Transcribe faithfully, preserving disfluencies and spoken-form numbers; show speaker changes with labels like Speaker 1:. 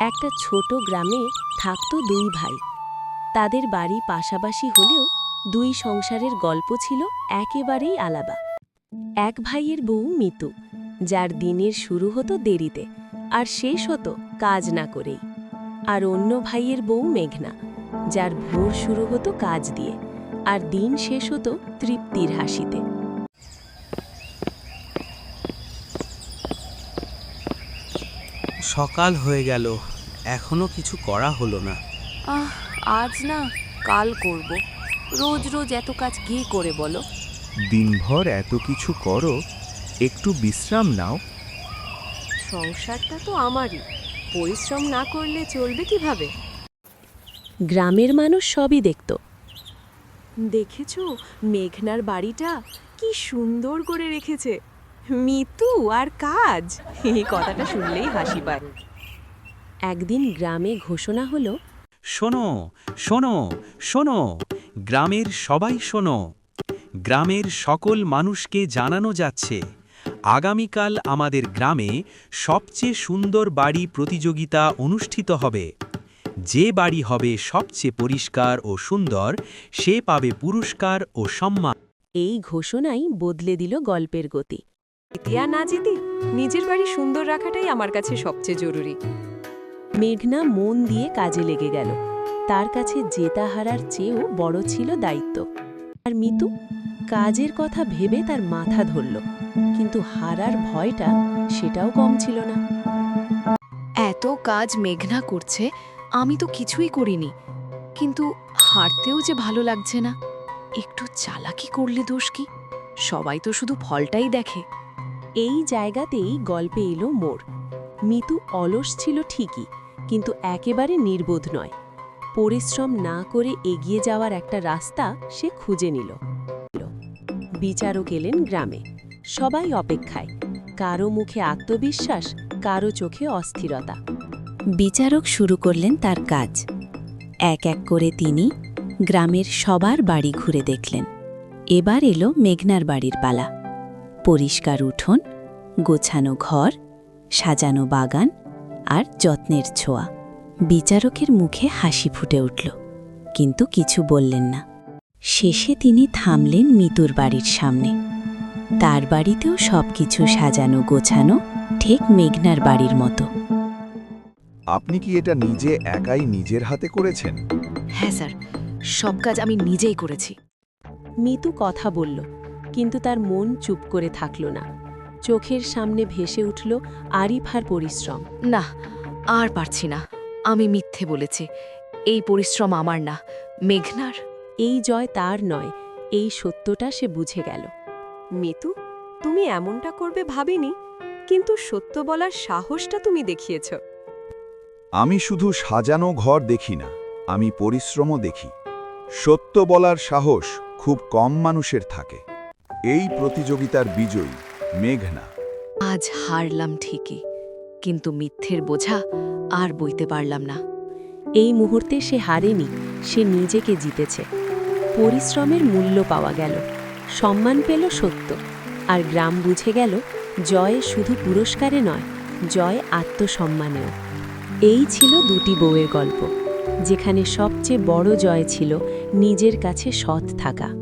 Speaker 1: একটা ছোট গ্রামে থাকতো দুই ভাই। তাদের বাড়ি পাশাপাশি হলেও দুই সংসারের গল্প ছিল একেবারেই আলাদা। এক ভাইয়ের বউ মিতু, যার দিনের শুরু হতো দেরিতে আর শেষ হতো কাজ না করেই। আর অন্য ভাইয়ের বউ মেঘনা, যার ভোর শুরু হতো কাজ দিয়ে আর দিন শেষ হতো তৃপ্তির হাসিতে।
Speaker 2: সকাল হয়ে গেল, এখনো কিছু করা হলো না।
Speaker 3: আহ আজ না, কাল করব। রোজ রোজ এত কাজ কে করে বলো?
Speaker 4: দিনভর এত কিছু করো, একটু বিশ্রাম নাও।
Speaker 1: সংসারটা তো আমারই, পরিশ্রম না করলে চলবে কিভাবে? গ্রামের মানুষ সবই দেখত। দেখেছ মেঘনার বাড়িটা কি সুন্দর করে রেখেছে, মিতু আর কাজ, এই কথাটা শুনলেই হাসি পায়। একদিন গ্রামে ঘোষণা হলো,
Speaker 2: শোনো শোনো শোনো, গ্রামের সবাই শোনো। গ্রামের সকল মানুষকে জানানো যাচ্ছে, আগামীকাল আমাদের গ্রামে সবচেয়ে সুন্দর বাড়ি প্রতিযোগিতা অনুষ্ঠিত হবে। যে বাড়ি হবে সবচেয়ে পরিষ্কার ও সুন্দর, সে পাবে পুরস্কার ও সম্মান।
Speaker 1: এই ঘোষণাই বদলে দিল গল্পের গতি। জিতিয়া না জিতি, নিজের বাড়ি সুন্দর রাখাটাই আমার কাছে সবচেয়ে জরুরি। মেঘনা মন দিয়ে কাজে লেগে গেল। তার কাছে জেতা হারার চেয়েও বড় ছিল দায়িত্ব। আর মিতু কাজের কথা ভেবে তার মাথা ধরল, কিন্তু হারার ভয়টা সেটাও কম ছিল না।
Speaker 3: এত কাজ মেঘনা করছে, আমি তো কিছুই করিনি, কিন্তু হারতেও যে ভালো লাগছে না। একটু চালাকি করলে দোষ কি? সবাই তো শুধু ফলটাই দেখে।
Speaker 1: এই জায়গাতেই গল্পে এলো মোড়। মিতু অলস ছিল ঠিকই, কিন্তু একেবারে নির্বোধ নয়। পরিশ্রম না করে এগিয়ে যাওয়ার একটা রাস্তা সে খুঁজে নিল। বিচারক এলেন গ্রামে, সবাই অপেক্ষায়, কারো মুখে আত্মবিশ্বাস, কারো চোখে অস্থিরতা।
Speaker 5: বিচারক শুরু করলেন তার কাজ। এক এক করে তিনি গ্রামের সবার বাড়ি ঘুরে দেখলেন। এবার এলো মেঘনার বাড়ির পালা। পরিষ্কার উঠোন, গোছানো ঘর, সাজানো বাগান আর যত্নের ছোঁয়া। বিচারকের মুখে হাসি ফুটে উঠল, কিন্তু কিছু বললেন না। শেষে তিনি থামলেন মিতুর বাড়ির সামনে। তার বাড়িতেও সবকিছু সাজানো গোছানো, ঠিক মেঘনার বাড়ির মতো।
Speaker 4: আপনি কি এটা নিজে একাই নিজের হাতে করেছেন?
Speaker 3: হ্যাঁ স্যার, সব কাজ আমি নিজেই করেছি।
Speaker 1: মিতু কথা বলল, কিন্তু তার মন চুপ করে থাকল না। চোখের সামনে ভেসে উঠল আরিফার পরিশ্রম।
Speaker 3: না, আর পারছি না। আমি মিথ্যে বলেছি। এই পরিশ্রম আমার না, মেঘনার।
Speaker 1: এই জয় তার নয়, এই সত্যটা সে বুঝে গেল। মিতু, তুমি এমনটা করবে ভাবিনি, কিন্তু সত্য বলার সাহসটা তুমি দেখিয়েছ।
Speaker 4: আমি শুধু সাজানো ঘর দেখি না, আমি পরিশ্রমও দেখি। সত্য বলার সাহস খুব কম মানুষের থাকে। এই প্রতিযোগিতার বিজয়ী মেঘনা।
Speaker 3: আজ হারলাম ঠিকই, কিন্তু মিথ্যের বোঝা আর বইতে পারলাম না।
Speaker 1: এই মুহূর্তে সে হারেনি, সে নিজেকে জিতেছে। পরিশ্রমের মূল্য পাওয়া গেল, সম্মান পেল সত্য, আর গ্রাম বুঝে গেল জয় শুধু পুরস্কারে নয়, জয় আত্মসম্মানেও। এই ছিল দুটি বউয়ের গল্প, যেখানে সবচেয়ে বড় জয় ছিল নিজের কাছে সৎ থাকা।